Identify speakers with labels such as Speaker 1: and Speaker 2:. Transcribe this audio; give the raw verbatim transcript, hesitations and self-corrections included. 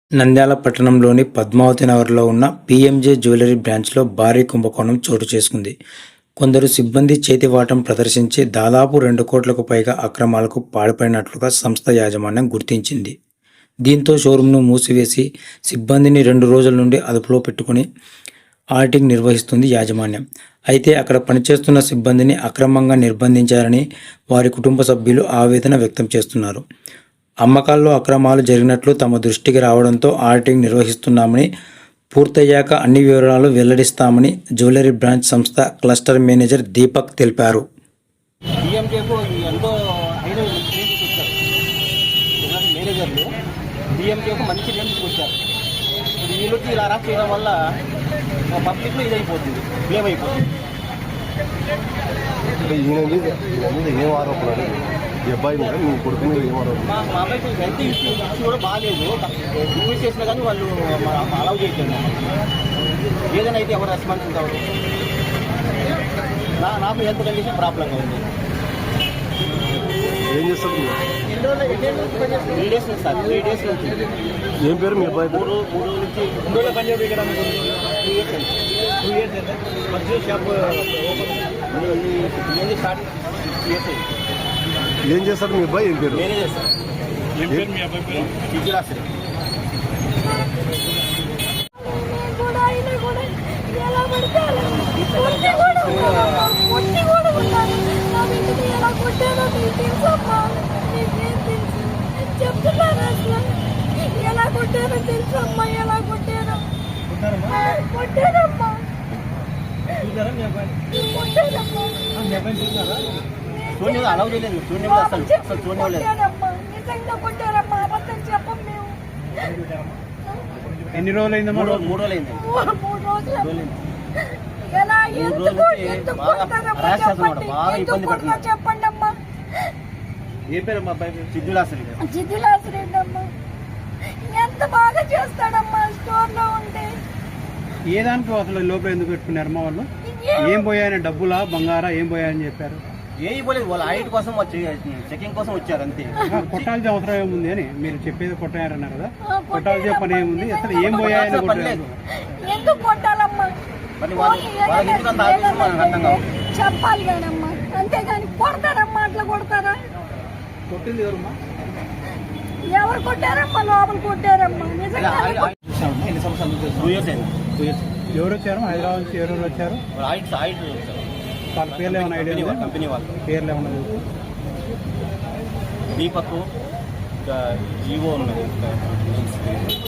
Speaker 1: నంద్యాల పట్టణంలోని పద్మావతి నగర్లో ఉన్న పీఎంజే జ్యువెలరీ బ్రాంచ్లో భారీ కుంభకోణం చోటు చేసుకుంది. కొందరు సిబ్బంది చేతివాటం ప్రదర్శించి దాదాపు రెండు కోట్లకు పైగా అక్రమాలకు పాల్పడినట్లుగా సంస్థ యాజమాన్యం గుర్తించింది. దీంతో షోరూంను మూసివేసి సిబ్బందిని రెండు రోజుల నుండి అదుపులో పెట్టుకుని ఆడిటింగ్ నిర్వహిస్తుంది యాజమాన్యం. అయితే అక్కడ పనిచేస్తున్న సిబ్బందిని అక్రమంగా నిర్బంధించారని వారి కుటుంబ సభ్యులు ఆవేదన వ్యక్తం చేస్తున్నారు. అమ్మకాల్లో అక్రమాలు జరిగినట్లు తమ దృష్టికి రావడంతో ఆడిటింగ్ నిర్వహిస్తున్నామని, పూర్తయ్యాక అన్ని వివరాలు వెల్లడిస్తామని జ్యువెలరీ బ్రాంచ్ సంస్థ క్లస్టర్ మేనేజర్ దీపక్ తెలిపారు.
Speaker 2: మంచి నేమ్ తీసుకొచ్చారు. వీళ్ళకి ఇలా అరెస్ట్ చేయడం వల్ల పబ్లిక్లో ఇది అయిపోతుంది, బ్లేమ్ అయిపోతుంది.
Speaker 3: ఏం ఆరోపణలు ఈ అబ్బాయి మీద మీ కొడుకు మీద ఏం ఆరోపణ?
Speaker 2: మా మా అబ్బాయికి హెల్త్ ఇష్యూ ఇష్యూ కూడా బాగాలేదు. రివ్యూ చేసినా కానీ వాళ్ళు అలౌ చేయట్లేదు. ఏదైనా అయితే ఎవరు రెస్పాన్సిబుల్ అవ్వదు. నా నాకు హెల్త్ కండిషన్ ప్రాబ్లంగా ఉంది.
Speaker 3: ఏం చేస్తారు?
Speaker 2: త్రీ డేస్ నుంచి సార్ త్రీ డేస్ నుంచి.
Speaker 3: ఏం పేరు మీ అబ్బాయి?
Speaker 2: మూడు మూడు నుంచి రెండు రోజుల పని చేయడం ఇక్కడ టూ ఇయర్స్ అండి. టూ ఇయర్స్ అంటే మధ్య షాప్ ఓపెన్ స్టార్ట్ ఇయర్స్ అయింది.
Speaker 3: ఏం చేస్తారు మీ అబ్బాయి? ఏం పేరు?
Speaker 2: Manager sir. ఏం పేరు మీ అబ్బాయి పేరు? విజయరాశ్రీ.
Speaker 4: ఎలా కొట్టారో తెలుసమ్మా, ఎలా కొట్టారో కొట్టారమ్మా
Speaker 2: చూడండి, అలౌ చేయలేదు. చూడండి అసలు అసలు చూడలేదు.
Speaker 4: నిజంగా కొట్టారమ్మా, అబద్ధం చెప్పం మేము.
Speaker 2: ఎన్ని రోజులు అయింది? మూడు మూడు రోజులు అయింది.
Speaker 4: మూడు రోజులు ఎలా ఎందుకు ఎందుకు కొడతారమ్మా చెప్పండి, ఎందుకు కొడతారో చెప్పండి అమ్మా.
Speaker 2: ఏ పేరు మా అబ్బాయి? సిద్ధులాశ్రీ.
Speaker 4: సిద్ధులాశ్రీ అమ్మా. ఎంత బాగా చేస్తాడమ్మా స్టోర్ లో ఉంటే.
Speaker 5: ఏ దానికి అసలు లోపల ఎందుకు పెట్టుకున్నారు మా వాళ్ళు? ఏం పోయాయని, డబ్బులా బంగారా ఏం పోయాయని చెప్పారు?
Speaker 2: ఏ పోలేదు, వాళ్ళ హైట్ కోసం వచ్చి చెకింగ్ కోసం వచ్చారు అంతే.
Speaker 5: కొట్టాల్సిన అవసరం ఏముంది అని మీరు చెప్పేది కొట్టారన్నారు కదా, కొట్టాల్సిన పని ఏముంది? అసలు ఏం పోయాయని
Speaker 4: ఎందుకు కొట్టాలమ్మా? చెప్పాలి కానమ్మా, అంతేగాని కొడతారమ్మా. అట్లా కొడతారా?
Speaker 5: కొట్టింది ఎవరమ్మా?
Speaker 4: ఎవరు కొట్టారమ్మా? లోపల కొట్టారమ్మా. నిజంగా
Speaker 5: ఎవరు వచ్చారు? హైదరాబాద్ నుంచి ఎవరెవరు వచ్చారు? వాళ్ళ పేర్లు ఏమైనా ఐడియా ఉందా?
Speaker 2: కంపెనీ వాళ్ళు
Speaker 5: పేర్లు ఏమన్నా?
Speaker 2: దీపక్ ఈవో ఉన్నది.